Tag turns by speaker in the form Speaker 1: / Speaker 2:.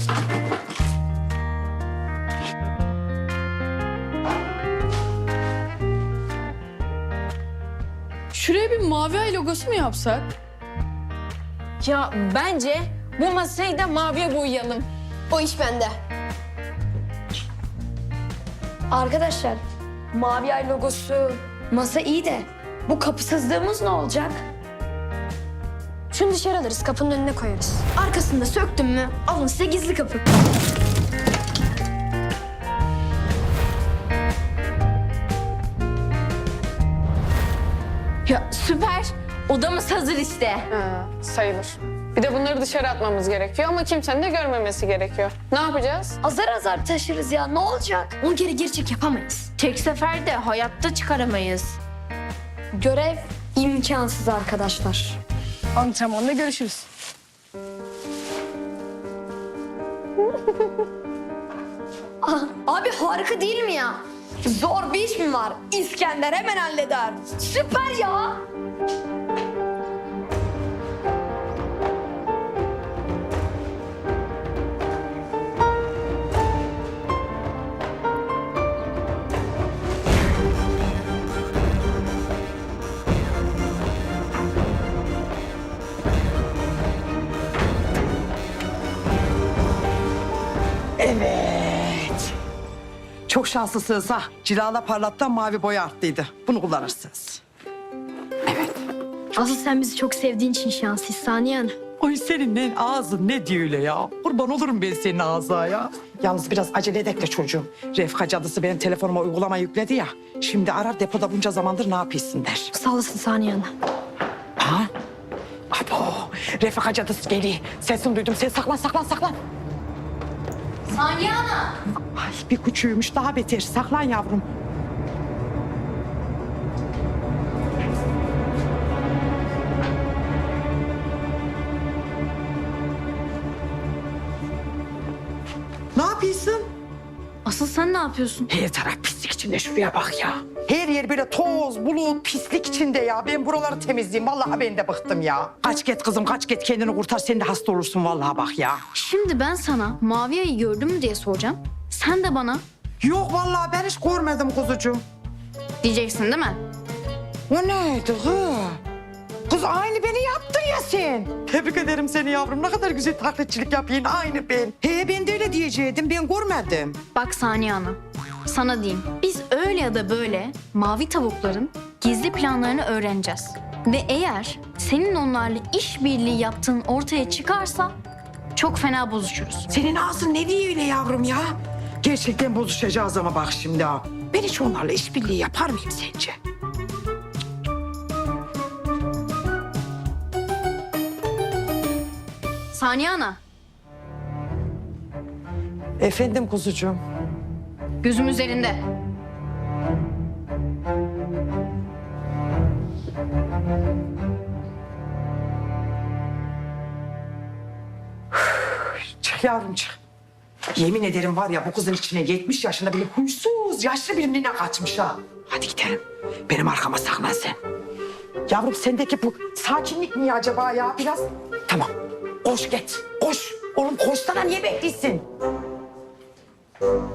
Speaker 1: Şuraya bir mavi ay logosu mu yapsak?
Speaker 2: Ya bence bu masayı da maviye boyayalım.
Speaker 3: O iş bende. Arkadaşlar, mavi ay logosu, masa iyi de bu kapısızlığımız ne olacak? Şunu dışarı alırız, kapının önüne koyarız. Arkasında söktüm mü alın size gizli kapı.
Speaker 2: Ya süper. Odamız hazır işte.
Speaker 4: Ha, sayılır. Bir de bunları dışarı atmamız gerekiyor ama kimsenin de görmemesi gerekiyor. Ne yapacağız?
Speaker 3: Azar azar taşırız ya, ne olacak? 10 kere geri çek yapamayız.
Speaker 2: Tek seferde hayatta çıkaramayız.
Speaker 3: Görev imkansız arkadaşlar.
Speaker 1: Antrenmanda görüşürüz.
Speaker 3: Abi harika değil mi ya? Zor bir iş mi var? İskender hemen halleder. Süper ya.
Speaker 5: Evet. Çok şanslısınız ha. Cilala parlattan mavi boya arttıydı. Bunu kullanırsınız.
Speaker 3: Asıl sen bizi çok sevdiğin için şanslıyız Saniye Hanım.
Speaker 5: Ay senin ne ağzın ne diyor öyle ya. Kurban olurum ben senin ağzına ya. Yalnız biraz acele edek de çocuğum. Refika cadısı benim telefonuma uygulama yükledi ya. Şimdi arar depoda bunca zamandır ne yapıyorsun der.
Speaker 3: Sağ olasın Saniye Hanım.
Speaker 5: Ha? Abo, Refika cadısı geliyor. Sesini duydum. Sen saklan saklan saklan.
Speaker 3: Saniye Hanım.
Speaker 5: Ay bir küçüğümüş daha beter. Saklan yavrum. Ne yapıyorsun?
Speaker 3: Asıl sen ne yapıyorsun?
Speaker 5: Her taraf pislik içinde, şuraya bak ya. Her yer böyle toz, bulut, pislik içinde ya. Ben buraları temizleyeyim. Vallahi ben de bıktım ya. Kaç git kızım, kaç git kendini kurtar. Sen de hasta olursun vallahi bak ya.
Speaker 6: Şimdi ben sana mavi ayı gördün mü diye soracağım. Sen de bana
Speaker 5: Yok vallahi ben hiç görmedim kuzucuğum.
Speaker 6: diyeceksin değil mi?
Speaker 5: O neydi kız? Kız aynı beni yaptın ya sen. Tebrik ederim seni yavrum. Ne kadar güzel taklitçilik yapıyorsun. Aynı ben. He ben de öyle diyecektim. Ben görmedim.
Speaker 6: Bak Saniye Ana, sana diyeyim. Biz öyle ya da böyle mavi tavukların gizli planlarını öğreneceğiz. Ve eğer senin onlarla işbirliği yaptığın ortaya çıkarsa çok fena bozuşuruz.
Speaker 5: Senin ağzın ne diyor öyle yavrum ya? Gerçekten bozuşacağız ama bak şimdi ha. Ben hiç onlarla işbirliği yapar mıyım sence?
Speaker 6: Saniye Ana,
Speaker 5: Efendim kuzucuğum.
Speaker 6: gözüm üzerinde.
Speaker 5: Çık yavrum çık. Yemin ederim var ya bu kızın içine 70 yaşında bile huysuz yaşlı birine kaçmış ha. Hadi gidelim. Benim arkama saklan sen. Yavrum sendeki bu sakinlik niye acaba ya biraz? Tamam. Koş git. Koş. Oğlum koşsana niye bekliyorsun?